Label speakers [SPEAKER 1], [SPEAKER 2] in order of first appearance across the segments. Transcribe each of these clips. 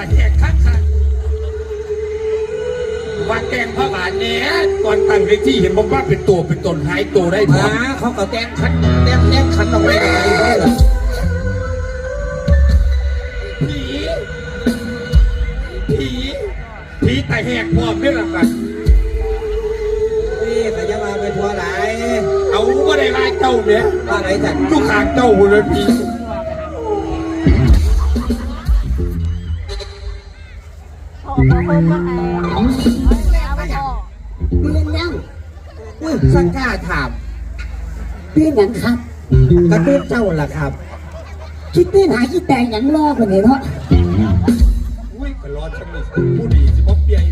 [SPEAKER 1] แหกข้างว่าแกงพระบาทเนี้ยก่อนตั้งเวทีเห็นบอกว่าเป็นตัวเป็นตนหายตัวได้มาเขาก็แต้งขันออกไปผีแต่แหกพร้อมด้วยล่ะกัน
[SPEAKER 2] นี่แต่จะมาเป็นทัวร์ไหน
[SPEAKER 1] เอาก็ได้ไล่เจ้าเนี่ย
[SPEAKER 2] ว่าไหนจัด
[SPEAKER 1] ทุกขางเจ้าเลยผี
[SPEAKER 3] เรียนยัง
[SPEAKER 2] สักกล้าถาม
[SPEAKER 3] เรียนยังครับ
[SPEAKER 2] กระตุ้นเจ้าล่ะครับ
[SPEAKER 3] คิดเต้นหาคิดแต่งยังรอกว่านี้เนาะ
[SPEAKER 1] อุ้ยก็รอฉันนี่ผู้ดีสิบ๊อบเปีย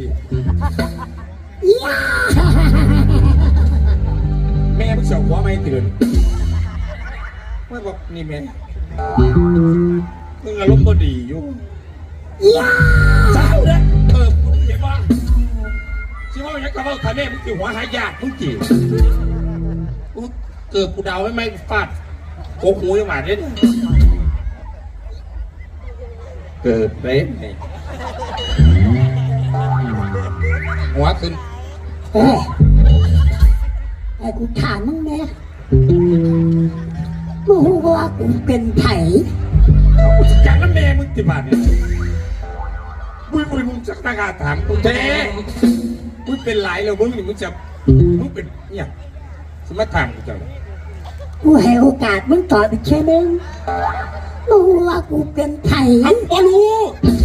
[SPEAKER 1] แม่มึงเสียวหัวไม่ตื่นไม่บอกนี่แม่มึงอารมณ์บ่ดีอยู่เศร้าเนี่ยกูเห็นว่าสิว่าอย่างกับว่าท่านแม่มึงสิหัวหายากมึงจีเกิดกูเดาไม่ฟาดโกหูยังหวานเนี่ยเกิดเป๊ะหัวขึ้น
[SPEAKER 3] ไอ้กูถามมึงแม่มึงรู้ว่ากูเป็นไผ่
[SPEAKER 1] จากนั้นแม่มึงติบาทเนี่ยมึงจะตั้งอาถามกูแท้มึงเป็นหลายแล้วมึงเป็นเนี่ยสมัติถามกูจัง
[SPEAKER 3] กูให้โอกาสมึงตอบอีกแค่นึงมึงรู้ว่ากูเป็นไผ่
[SPEAKER 1] บ่รู้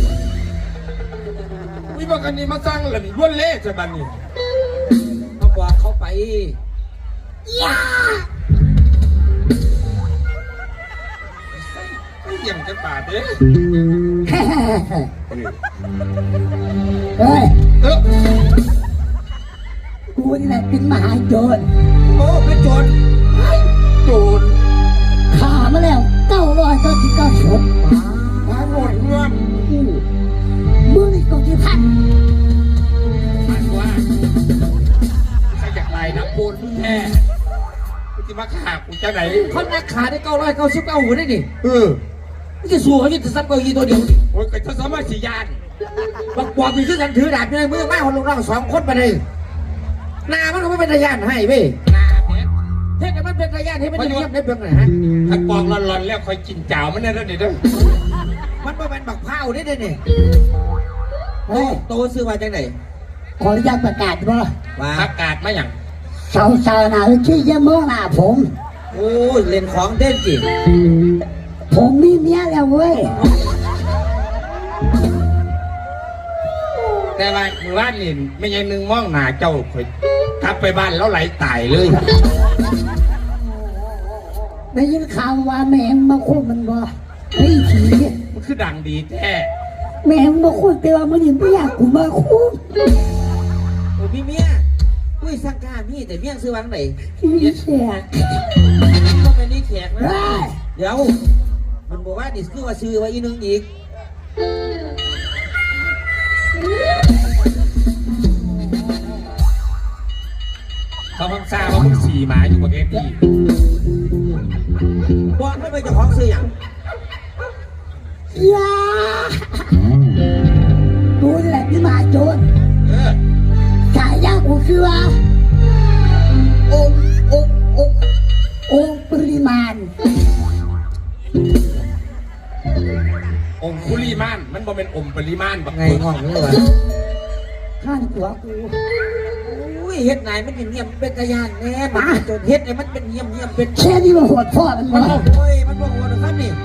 [SPEAKER 1] วิบากนี้มาสร้างหลังล้วนเละจะบันนี่
[SPEAKER 2] เขาบอกเขาไป
[SPEAKER 1] ยังจะบาดเด้
[SPEAKER 3] เฮ้ยกูนี่แหละเป็นมหาโจร
[SPEAKER 2] โอ้เป็นโจร
[SPEAKER 3] ฆ่ามาแล้ว999ศพ
[SPEAKER 1] มาหมดเงื่อม
[SPEAKER 3] มึงนี่ก็ที่พัน
[SPEAKER 1] มันว่าใครอยากไล่นะปูนแท้กูจะมาฆ่ากูจะไหน
[SPEAKER 2] เขานักขาได้999หัวได้ดิ
[SPEAKER 1] มัน
[SPEAKER 2] จะสู้เขาจะซับเก้าอี้ตัวเดียวดิ
[SPEAKER 1] โอ้ยก็จะสามารถสียาน
[SPEAKER 2] บักปอบมีชื่อกันถือดาบในมือไม้คนลงร่าง2 คนไปเลยนามันก็ไม่เป็นทะยานให้เว้ย
[SPEAKER 1] นาเนี่ย
[SPEAKER 2] เท่แต่มันเป็นทะยานให้มันจะเงียบได้เพียงไหนฮะ
[SPEAKER 1] ถ้าปองร้อนๆแล้วคอยกินเจ้ามันได้แล้วเดี๋ยว
[SPEAKER 2] มันเป็นบักเผาได้เนี่ยโตซื้อมาจากไหน
[SPEAKER 3] ขออนุญาตประกาศว่า
[SPEAKER 1] ประกาศมาอย่าง
[SPEAKER 3] สาวๆนะที่จะมองหน้าผม
[SPEAKER 2] โอ้ยเล่นของเด่นจริง
[SPEAKER 3] ผมมีเมียแล้วเว้ย
[SPEAKER 1] แต่ว่าเมื่อวานนี่ไม่ยังนึงมองหน้าเจ้าคอยกลับไปบ้านแล้วไหลตายเลย
[SPEAKER 3] ได้ยินข่าวว่าแม่งมาคุยมันบ่ไอ้ผี
[SPEAKER 1] มันคือดังดีแท้
[SPEAKER 3] แม่งมาคุยแต่ว่ามันยังไม่อยากกูมาคุย
[SPEAKER 2] โอ้พี่เมียอุ้ยสังการพี่แต่เมียซื้อวางไหน
[SPEAKER 3] นี่แขก
[SPEAKER 2] ก็เป็นนี่แขกนะเดี๋ยวมันบอกว่าดิสคือว่าซื้อไว้อีนึงอีก
[SPEAKER 1] เขาพังซาว่ามึงสีหมาอยู่ประเทศนี้
[SPEAKER 2] บอกไม่ไปจะของซื้ออย่าง
[SPEAKER 3] ดูแหละพี่มาโจรฉายากูคือว่าองค์ปริมาณ
[SPEAKER 1] องคุลีมานมันบ่เป็นอมปริมาณ
[SPEAKER 2] ไงห้องนี่วะ
[SPEAKER 3] ข้างตัวกู
[SPEAKER 2] อุ้ยเฮ็ดไหนมันเงียบเป็นตะยานแน่มาจนเฮ็ดไอ้มันเป็นเงียบเป็น
[SPEAKER 3] แค่นี้มันโหดพ่อมัน
[SPEAKER 2] โอ้ยมันบอกว่าท่านนี่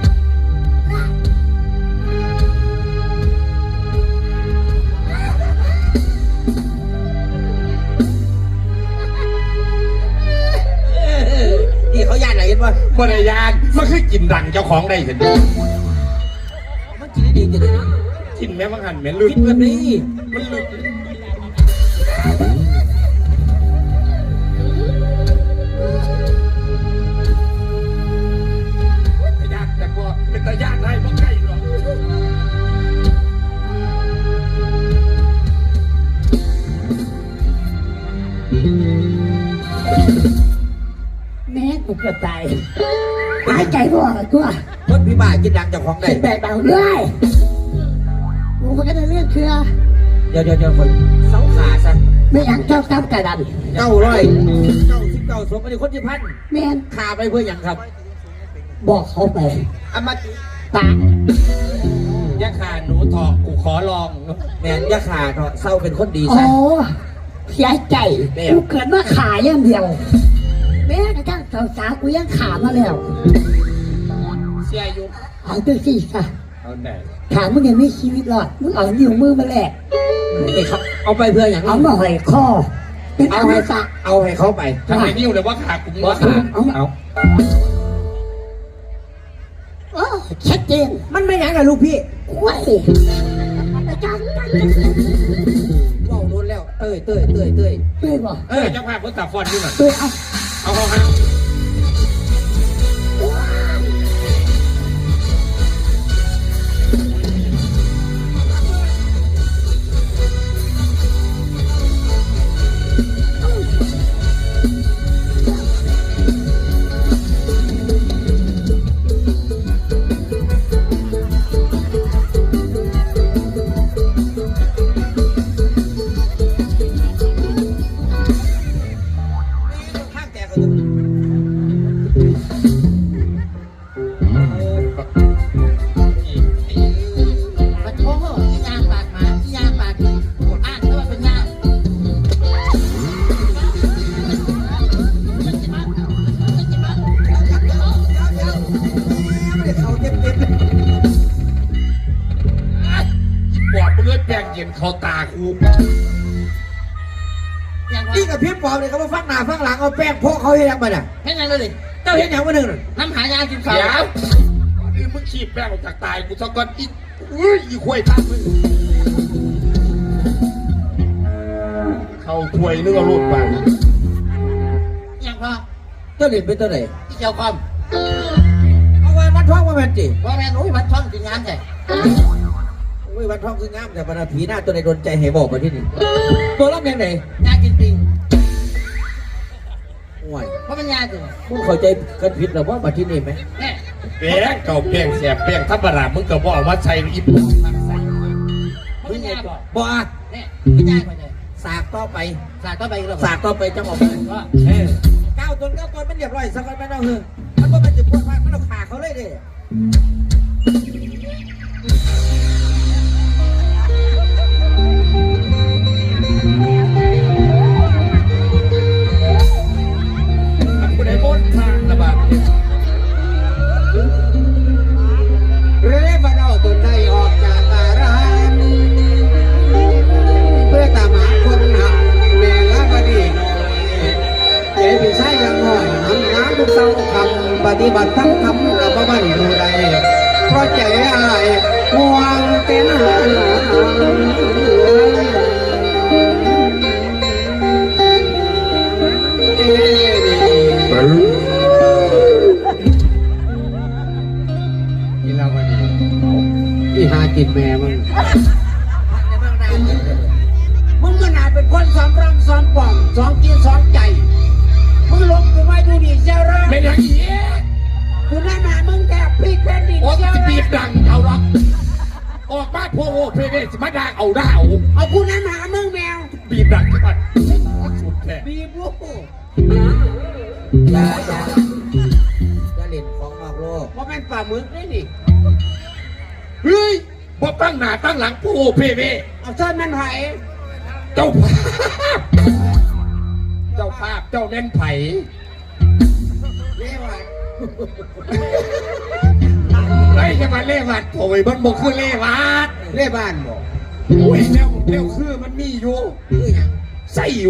[SPEAKER 2] เขาย่านไหนกันวะ
[SPEAKER 1] บริยานมันคือกินดังเจ้าของได้เห็น
[SPEAKER 2] มันกินได้ดีจะได้
[SPEAKER 1] กินแม่บังหันแม่ลึก
[SPEAKER 2] กินแบบนี้
[SPEAKER 1] มันลึกยากแต่ว่าเป็นตายากได้บ่ใกล้หรอก
[SPEAKER 3] แม่กูเกือบตายหายใจก็ออกตัว
[SPEAKER 2] เพิ่นพี่บ้ากินดังจากของได้
[SPEAKER 3] แต่เบาเลย
[SPEAKER 2] ดี๋ยวคนเสาขาซะ
[SPEAKER 3] ไม่อยากเจ้าซ้ำกระดัน
[SPEAKER 2] 999ศพไม่ได้คนที่พัน
[SPEAKER 3] แม่น
[SPEAKER 2] ขาไปเพื่ออย่างครับ
[SPEAKER 3] บอกเขาไป
[SPEAKER 2] อามา
[SPEAKER 3] ตา
[SPEAKER 1] อย่าขาหนูถอกกูขอลอง
[SPEAKER 2] แมนยาขาเถอะเศร้าเป็นคนดี
[SPEAKER 3] โอ้
[SPEAKER 2] ซะ
[SPEAKER 3] เสียใจกูเกิดมาขาอย่างเดียวแม้กระทั่งสาวๆกูยังขามาแล้ว
[SPEAKER 1] เสียอยู่
[SPEAKER 3] เอาตัวสิค่ะ
[SPEAKER 1] เอาไหน
[SPEAKER 3] ขามึงยังไม่ชีวิตรอดมึงเอานิ้วมือมาแลก
[SPEAKER 2] นี่ครับเอาไปเพื่ออย่าง
[SPEAKER 3] เอามาหอยคอเป็น
[SPEAKER 2] เอา
[SPEAKER 3] เอา
[SPEAKER 2] ให้
[SPEAKER 3] ให้ซะ
[SPEAKER 2] เอาให้เขาไป
[SPEAKER 1] ทำไมนิ้วเลยว่าขากูมึงว่าขา
[SPEAKER 2] เอา
[SPEAKER 3] โอ้ชัดเจน
[SPEAKER 2] มันไม่ยังกับลูกพี่
[SPEAKER 3] ว้ายอาจารย์
[SPEAKER 2] ว่าโดนแล้วเต้ย
[SPEAKER 3] เต้ยบอก
[SPEAKER 1] เจ้าภาพเขาตัดฟอนต์นี่หน่อย
[SPEAKER 3] เต้ยเอา
[SPEAKER 1] เอาเขาห้า
[SPEAKER 2] ข้างแตกกัน
[SPEAKER 3] ปะโถอียางปากหมาอียางปากอ่านแล้วมันเป็นยาง
[SPEAKER 2] เขาเจ็บ
[SPEAKER 1] ปอดมึงเลยแปลงเย็นเขาตากู
[SPEAKER 3] อย่าง
[SPEAKER 2] นี่กับพี่ปอบเลยเขามาฟังหน้าฟังหลังเอาแป้งโพกเขาให้ยังไปน่ะ
[SPEAKER 3] แค่นั้นเลย
[SPEAKER 2] เจ้าเห็นอย่างวันหนึ่ง
[SPEAKER 3] น้ำหายากินข้าว
[SPEAKER 1] เดี๋ยวนี่มึงขีบแป้งออกจากตายกูสักก้อนอีอุ้ยอีควายทักมึงเข้าถวยนึกเอาลูดไป
[SPEAKER 3] อย่างพอ
[SPEAKER 2] เจ้าเหรียญเป็นตัวไหน
[SPEAKER 3] ที่เจ้าคอม
[SPEAKER 2] เอาไว้วัดท้องมาแม่นจี
[SPEAKER 3] ว่าแม่หนูมันท้องกินงานใช่
[SPEAKER 2] โอ้ยวัดท้องคืองามแต่บรรดาผีหน้าตัวไหนโดนใจให้บอกมาที่นี่ตัวรับยังไง
[SPEAKER 3] ยากินปิง
[SPEAKER 2] ห่วย
[SPEAKER 3] เพราะมันยาถึง
[SPEAKER 2] มึงเข้าใจกันผิดหรือว่ามาที่นี่ไหม
[SPEAKER 3] แน่
[SPEAKER 1] แป้งเก่าแป้งแสบแป้งธรรมดามึงก็บอกว่าใช้อีปุ่น
[SPEAKER 3] เพราะมันยาก่อน
[SPEAKER 2] บ่
[SPEAKER 3] แน่ไม่ยากกว่าเลย
[SPEAKER 2] สากต่อไป
[SPEAKER 3] สาดต่อไปอีกแล้ว
[SPEAKER 2] สากต่อไปจังหวะ
[SPEAKER 3] ว่า
[SPEAKER 2] เก้าตนมันเรียบร้อยสักวันไม่ต้องเฮือมันก็มันจะปวดมากมันต้องขาเขาเลยเด้
[SPEAKER 1] กูได้บนทางระบาด
[SPEAKER 2] เร่มาเอาตนได้ออกจากอารามเพื่อตามหาคนหักแม่ละบดีน้อยเอ๋พี่ชายยังน้อยทำงานทุกเสาคำปฏิบัติทั้งคำกับบ้านดูใดเพราะใจอายห่วงเป็นหานี่เราก็ดีที่หากินแม่มึงมึงก็น่าเป็นคนซ้อมรำซ้อมป่องซ้อมกินซ้อมใจมึงลงกูมาดูดิเจ้าร่าง
[SPEAKER 1] เป็นอย่างนี้
[SPEAKER 2] กูนั่นมามึงแทบพลิกแผ่นดิน
[SPEAKER 1] โอ้
[SPEAKER 2] เจ้า
[SPEAKER 1] จะบี
[SPEAKER 2] ร่าง
[SPEAKER 1] บดังเอาหรอกออกมาพวกโอ้เพเดสมาด่าเอาด่าเอา
[SPEAKER 2] เอากูนั่นมามึงแมว
[SPEAKER 1] บีบดังจังหวัดสุดแท้
[SPEAKER 2] บีบลูกอย่าเล่นของนอกโลกว่าแม่นป่ามึกได้ดิ
[SPEAKER 1] เฮ้ยบ่ตั้งหน้าตั้งหลังพวกโอ้เพเด
[SPEAKER 2] เอาเส้นมันไผ่
[SPEAKER 1] เจ้าภาพเจ้าภาพเจ้าเน้นไผ่
[SPEAKER 2] เรียกว่า
[SPEAKER 1] ไอ้จะมาเล่วัดโอ้ยมันบอกคือเล่วัด
[SPEAKER 2] เรียบ้านบอก
[SPEAKER 1] โอ้ยเร็วคือมันมีอยู่
[SPEAKER 2] คือหยัง
[SPEAKER 1] ใส่อยู่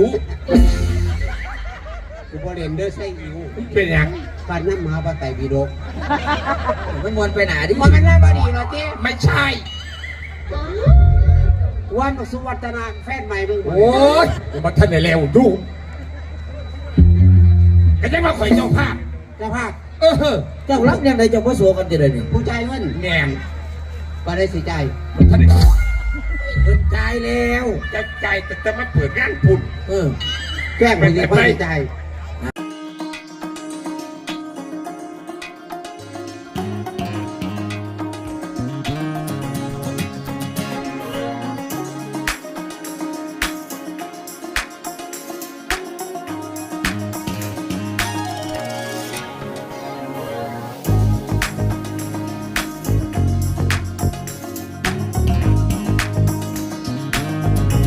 [SPEAKER 2] กูบ่เล่นเด้อใส่อิว
[SPEAKER 1] เป็นอย่าง
[SPEAKER 2] ปานน้ำมหาปไตยบิดกมันมวนไปหนาดิมันไม่ได้บดีหรอเจ๊
[SPEAKER 1] ไม่ใช่
[SPEAKER 2] วันสุวัฒนาแฟนใหม่มึง
[SPEAKER 1] โอ้ยมาท่านในเร็วดูก็จะมาข่อยเจ้าภาพ
[SPEAKER 2] เจ้าภาพ
[SPEAKER 1] เจ้า
[SPEAKER 2] เจ้ารับยังไงเจ้าพ่อโสกันจะได้นี่ผู้ใจายเงิน
[SPEAKER 1] แงน
[SPEAKER 2] บ่ได้สิใจาย
[SPEAKER 1] ท่าน
[SPEAKER 2] จ่ายแล้ว
[SPEAKER 1] จะใจแต่มาเปิดงานปุ่น
[SPEAKER 2] แจ้งไปสิพ่อสิใจาย